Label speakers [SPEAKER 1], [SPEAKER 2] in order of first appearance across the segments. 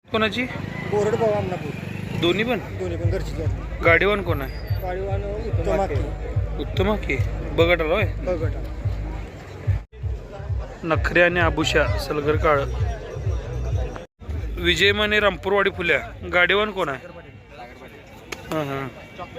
[SPEAKER 1] कोणाची?
[SPEAKER 2] बोरड भाऊ आमनापूर.
[SPEAKER 1] दोन्ही पण
[SPEAKER 2] घरची जोड.
[SPEAKER 1] गाडीवान कोण आहे?
[SPEAKER 2] गाडीवान
[SPEAKER 1] उत्तम की बघत आलोय. नखरे आणि आभूषा सलगर काळ. विजय माने रामपूरवाडी फुल्या. गाडीवान कोण आहे? हां हां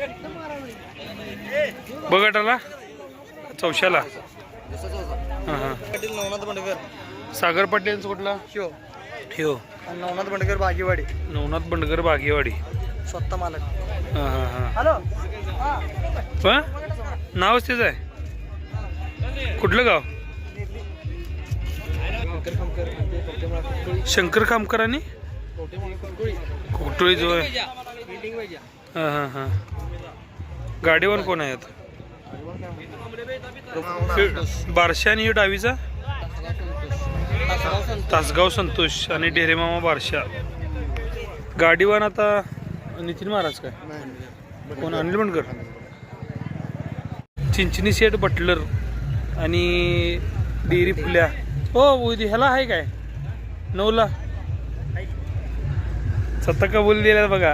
[SPEAKER 1] बघत आला चौशाला. हां हां
[SPEAKER 2] नवनाथ बंडकर.
[SPEAKER 1] सागर पाटील कुठला?
[SPEAKER 2] शिव.
[SPEAKER 1] हो
[SPEAKER 2] नवनाथ बंडकर बागेवाडी.
[SPEAKER 1] नवनाथ बंडगर बागेवाडी.
[SPEAKER 2] स्वतः मालक.
[SPEAKER 1] हां हां हां
[SPEAKER 2] हॅलो.
[SPEAKER 1] नावच तेच आहे. कुठलं गाव? शंकर खामकर आणि कुटुळी जो आहे. हां हां हां गाडीवर कोण आहेत? बारशा आणि डावीचा तासगाव संतोष आणि ढेरेमामा बारशा. गाडीवान आता नितीन महाराज काय कोण? अनिल बंडकर. चिंचणी शेठ बटलर आणि डेअरी फुल्या. हो ह्याला आहे काय 9ला सत्ता कबूल दिला बघा.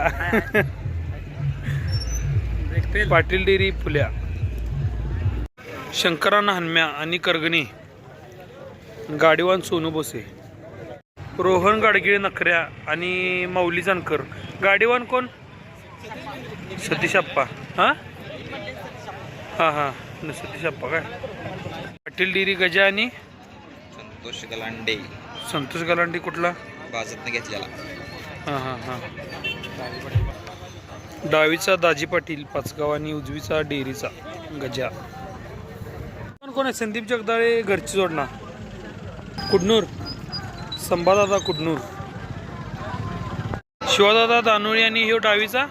[SPEAKER 1] पाटील डेअरी फुल्या. शंकरांना हनम्या आणि करगणी. गाडीवान सोनू बोसे. रोहन गाडगिळे नखऱ्या आणि माऊली जानकर. गाडीवान कोण? सतीश आप्पा. हां हां हां सतीश आप्पा काय. पाटील डेअरी गजा आणि
[SPEAKER 3] संतोष गलांडे.
[SPEAKER 1] संतोष गलांडे कुठला?
[SPEAKER 3] बाजतनं घेतलेला.
[SPEAKER 1] हां हां हां डावीचा दाजी पाटील पाचगाव आणि उजवीचा डेअरीचा गजा. कोण आहे? संदीप जगदाळे घरची जोडणा. कुडनूर. संभादादा कुडनूर. शिवादादा दानोळी आणि ह्यो डावीचा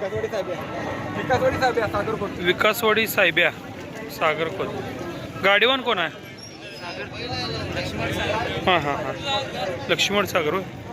[SPEAKER 1] विकासवाडी साहेब्या सागरकोट. गाडीवान कोण आहे? हां हां हां लक्ष्मण सागर होय.